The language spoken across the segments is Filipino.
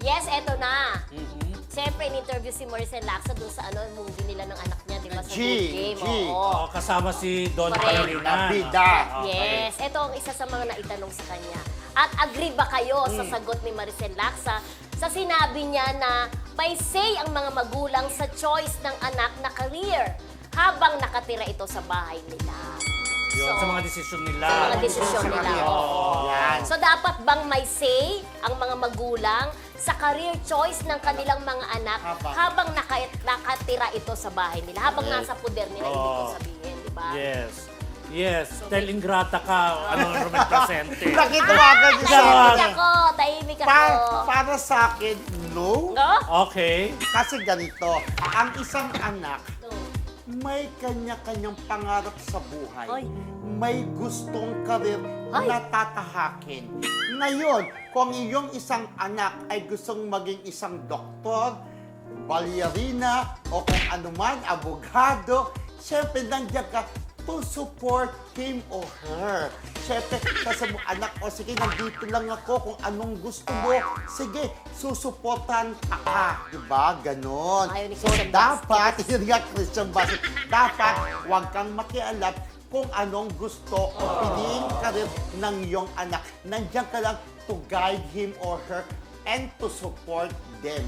Yes, eto na. Mhm. Siyempre, in-interview si Maricel Lacsa dun sa movie nila ng anak niya, di ba? Sa G, Good Game. G. Oo. Oo, kasama si Don Correct. Palomino. Bida. Yes, ito ang isa sa mga naitanong sa kanya. At agree ba kayo sa sagot ni Maricel Lacsa sa sinabi niya na may say ang mga magulang sa choice ng anak na career habang nakatira ito sa bahay nila? Yun, So, sa mga desisyon nila. sa mga desisyon nila. Oo. Yan. So dapat bang may say ang mga magulang sa career choice ng kanilang mga anak habang nakatira ito sa bahay nila, habang nasa poder nila, ibig ko sabihin, di ba? Yes. Yes. Dahil ingrata ka, Romel Crescente. Nakitawagan niyo sa Tahimik akin. ako, tahimik ako. Para sa akin, no. No? Okay. Kasi ganito, ang isang anak, No. may kanya-kanyang pangarap sa buhay. Ay. May gustong karir Ay. na tatahakin. Ngayon, kung iyong isang anak ay gustong maging isang doktor, balerina, o kung anuman, abogado, syempre nandiyan ka to support him or her. Syempre, kasi mo, anak, o sige, nandito lang ako kung anong gusto mo. Sige, susuportan ka. Diba? Ganon. Ayaw ni So, Christian dapat, yun nga, Christian Basket, dapat huwag kang makialam kung anong gusto o piliin ka rin ng iyong anak. Nandiyan ka lang to guide him or her and to support them.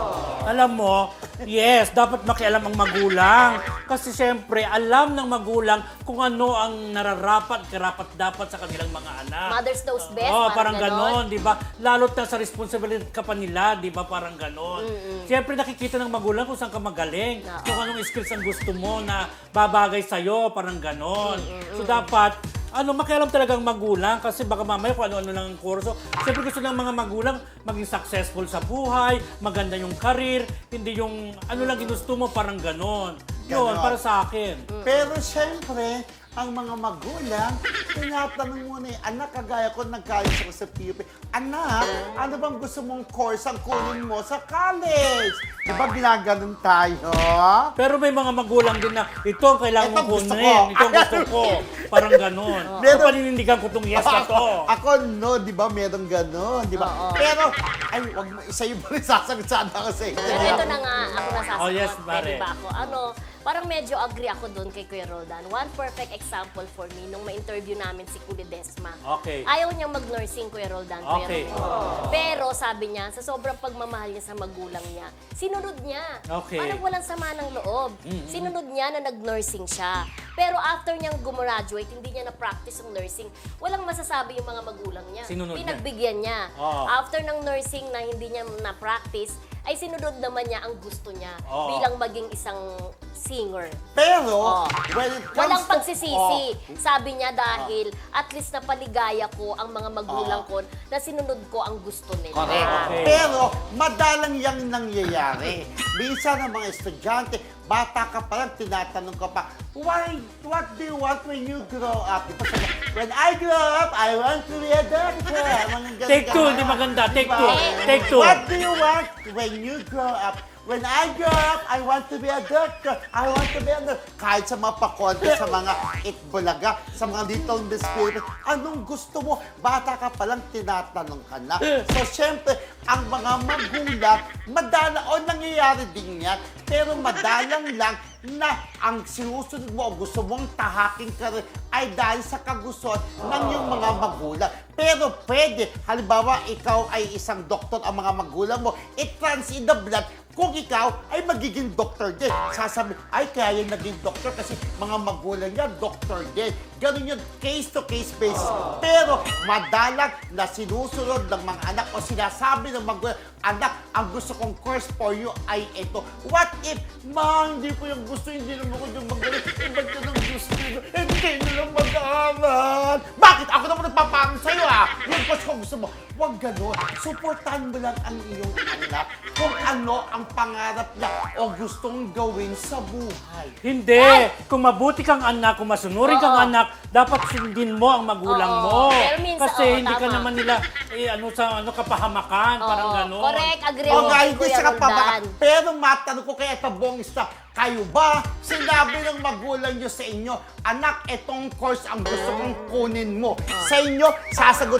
Alam mo, yes, dapat makialam ang magulang. Kasi siyempre, alam ng magulang kung ano ang nararapat, karapat-dapat sa kanilang mga anak. Mothers knows best, Oo, parang ganon. ganon, di ba? Lalo't na sa responsibility ka pa nila, di ba? Parang ganon. Siyempre, nakikita ng magulang kung saan ka magaling, Oo. kung anong skills ang gusto mo na babagay sa'yo, parang ganon. So, dapat, makialam talagang magulang kasi baka mamaya kung ano-ano lang ang kurso. Siyempre gusto ng mga magulang maging successful sa buhay, maganda yung career, hindi yung ano lang ginusto mo, parang ganon. Yun, Ganon. para sa akin. Pero syempre, ang mga magulang, tinatanong muna anak, kagaya ko, nag-college ako sa PUP. Anak, ano bang gusto mong course ang kunin mo sa college? Di ba ginaganon tayo? Pero may mga magulang din na ito ang kailangan Ito mong gusto kunin, ko. ito ang gusto ko. Parang ganon. Meron- Pero paninindigan ko itong yes na to. Ako, no, di ba, meron ganon, di ba? Oo. Pero, ay, wag mo, isa yung rin sasagot sana ako sa inyo. Pero ito na nga, ako nasasagot. Oh, yes, Pwede pare. ba ako? Parang medyo agree ako doon kay Kuya Roldan. One perfect example for me, nung ma-interview namin si Kuya Desma. Okay. Ayaw niyang mag-nursing, Kuya Roldan. Kuya Okay. Roldan. Pero sabi niya, sa sobrang pagmamahal niya sa magulang niya, sinunod niya. Okay. Parang walang sama ng loob. Sinunod niya na nag-nursing siya. Pero after niyang gumraduate, hindi niya na-practice yung nursing. Walang masasabi yung mga magulang niya. Sinunod niya. Pinagbigyan niya. Oo. After ng nursing na hindi niya na-practice, ay sinunod naman niya ang gusto niya Oo. bilang maging isang singer. Pero, Oh. when it comes Walang to- pagsisisi. Oh, Sabi niya dahil at least napaligaya ko ang mga magulang ko na sinunod ko ang gusto nila. correct. Okay. Pero, madalang yang nangyayari. Minsan ang mga estudyante, bata ka pa lang, tinatanong ka pa, what do you want when you grow up? Diba sabi, when I grow up, I want to be a doctor. Mga ganun- Take two, ganun. hindi maganda. Take Diba? two. Take two. What do you want when you grow up? When I grow up, I want to be a doctor. I want to be a doctor. Kahit sa mga pakonte, sa mga itbulaga, sa mga Little Miss Philippines, anong gusto mo? Bata ka pa lang, tinatanong ka na. So, syempre, ang mga magulang, nangyayari din yan, pero madalang lang na ang sinusunod mo o gusto mong tahaking ka rin ay dahil sa kagustuhan ng iyong mga magulang. Pero pwede, halimbawa, ikaw ay isang doktor, ang mga magulang mo, it runs in the blood kung ikaw ay magiging doktor din. Sasabi, ay kaya yung naging doktor kasi mga magulang niya, doktor din. Ganun yun, case-to-case basis. Pero madalang na sinusunod ng mga anak o sinasabi ng magulang, anak, ang gusto kong course for you ay ito. What if, ma, hindi ko yung gusto, hindi naman ko yung magaling. Iba't yun ang gusto nyo, hindi nyo lang mag-aaral. Bakit? Ako naman nagpapaano sa'yo, yung course ko gusto mo. Huwag gano'n. Suportahan mo lang ang iyong anak kung ano ang pangarap niya o gustong gawin sa buhay. Hindi. Kung mabuti kang anak, kung masunurin kang Oo. anak, dapat sundin mo ang magulang Oo. mo. Pero minsan, Kasi oo, hindi ka tama. naman nila kapahamakan, parang Oo, gano'n. correct. Agree O ako nga, kay hindi Kuya siya kapabaka. Roldan. Pero matanong ko kaya tabong isa, kayo ba, sinabi ng magulang nyo sa inyo, anak, itong course ang gusto kong kunin mo. Sa inyo, sasagot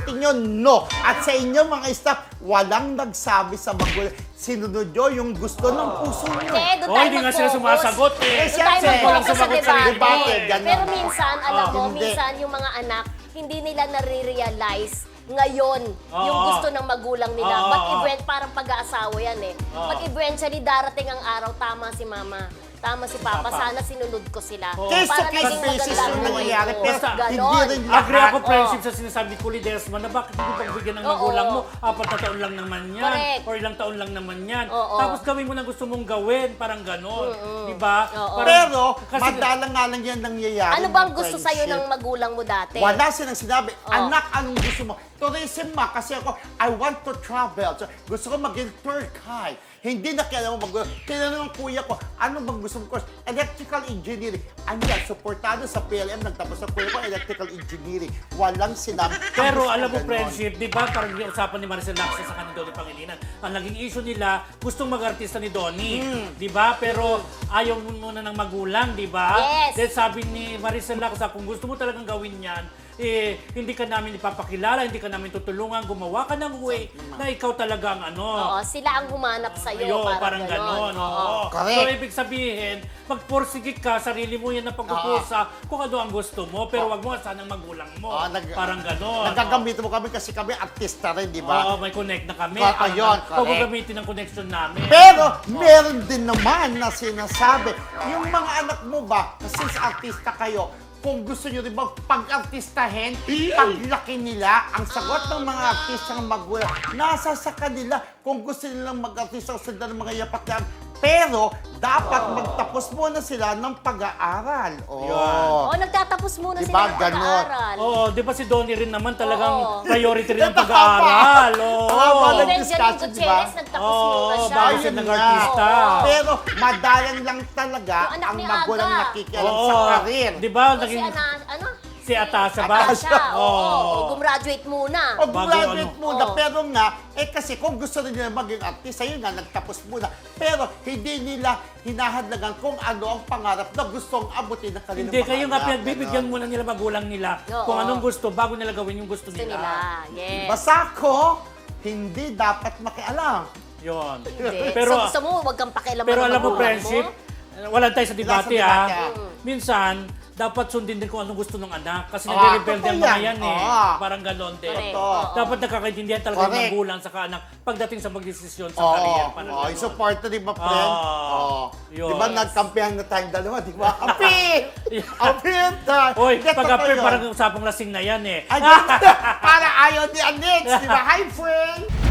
sagutin nyo, no. At sa inyo mga staff, walang nagsabi sa magulang. Sinunod nyo yung gusto ng puso nyo. Doon Oh, tayo hindi nga sila mag-focus. sumasagot eh. Eh, Doon tayo siyempre, mag-focus walang sa sumagot sa debate. debate, ganun. Pero minsan, alam mo, Hindi. minsan yung mga anak, hindi nila nare-realize ngayon yung Oo. gusto ng magulang nila. Oo. But parang pag-aasawa yan eh. Oo. But eventually, darating ang araw, tama si mama. Tama si Papa. Papa. Sana sinunod ko sila. Oo. Case to Para case naging basis maganda yung ang buhay nangyayari. ko. Pero Ganon. hindi rin lahat. Agree ako, Oo. friendship, sa sinasabi ko ni Desma na bakit hindi pagbigyan ng Oo. magulang mo, 4 na taon lang naman yan, Correct. or ilang taon lang naman yan. Oo. Tapos gawin mo na gusto mong gawin, parang gano'n. Di ba? Oo. Parang- Pero, kasi- madalang nga lang yan nangyayari. Ano bang ng gusto sa'yo friendship. ng magulang mo dati? Wala silang sinabi, Oh. anak, anong gusto mo? Tourism ma, kasi ako, I want to travel. So, gusto ko maging tour guide. Hindi na kailangan magulang. Tinanong ng kuya ko, ano bang gusto mo course? Electrical engineering. Ano yan, supportado sa PLM, nagtapos sa kuya ko, electrical engineering. Walang sinabi. Pero Ang alam mo, gusto ganon. friendship, di ba, parang yung usapan ni Maricel Lacsa sa kanila Donnie Pangilinan, ang naging issue nila, gustong mag-artista ni Donnie, di ba? Pero ayaw muna ng magulang, di ba? Yes. Then sabi ni Maricel Lacsa, kung gusto mo talagang gawin yan, hindi ka namin ipapakilala, hindi ka namin tutulungan, gumawa ka ng way na ikaw talaga ang ano. Oo, sila ang humanap sa'yo. Ayo, parang ganon. Oo. Oo. Correct. So, ibig sabihin, magporsige ka, sarili mo yan na pagpupusa kung ano ang gusto mo, pero wag mo sanang magulang mo. Parang ganon. Nagagamit mo kami kasi kami artista rin, di ba? Oo, may connect na kami. Ayun, Huwag mo correct. gamitin ang connection namin. Pero, meron din naman na sinasabi, yung mga anak mo ba, since artista kayo, kung gusto nyo rin bang pag-artistahin, paglaki nila, ang sagot ng mga artista ng magulang, nasa sa kanila kung gusto nilang mag-artista o sila ng mga yapak yan. Pero, dapat magtapos muna sila ng pag-aaral. Yun. Nagtatapos muna Diba, sila ng ganon? pag-aaral. Oo, di ba si Donnie rin naman talagang Oo. priority rin ang Tama. pag-aaral. Oo. Tama, Even discussion, Janine diba? Gutierrez, nagtapos Oo, muna siya. bago siya Ayun nag-artista. nga. Pero, madalang lang talaga Yung anak ang ni magulang Aga. nakikialam Oo. sa karir. Di ba? Kasi Naging ano? si Atasha ba? Atasha, oo. Oo. Gumraduate muna. O Bago graduate ano. muna, Oo. pero nga, kasi kung gusto rin nila maging artista, yun nga, nagtapos muna. Pero hindi nila hinahadlagan kung ano ang pangarap na gustong abutin ng kanilang Hindi, mga kayo nga anak, pinagbibigyan ganon. muna nila magulang nila Oo. kung anong gusto bago nila gawin yung gusto Gusto nila. nila. Yes. Basta ko, hindi dapat makialam. Yun. Hindi. Pero, so, gusto mo, huwag kang pakialaman pero ng alam mo, magulang friendship, wala tayo sa debate, Wala sa debate, Minsan, dapat sundin din kung anong gusto ng anak. Kasi Ah, nagre-rebelde ang totoo mga yan. yan eh. Ah. Parang ganon din. Correct. Totoo. Oo. Dapat nakakaintindihan talaga ng Correct. magulang sa anak pagdating sa magdesisyon sa Oo, career. Parang yung ganon. supporter, di ba, friend? Ah, Oo. yun. Di ba, nagkampihan na tayong dalawa, di ba? Apir! Apir! Oy, Get pag totoo appear, yun. parang usapang lasing na yan eh. Ay, ganun. Para ayaw ni Anix, di ba? Hi, friend!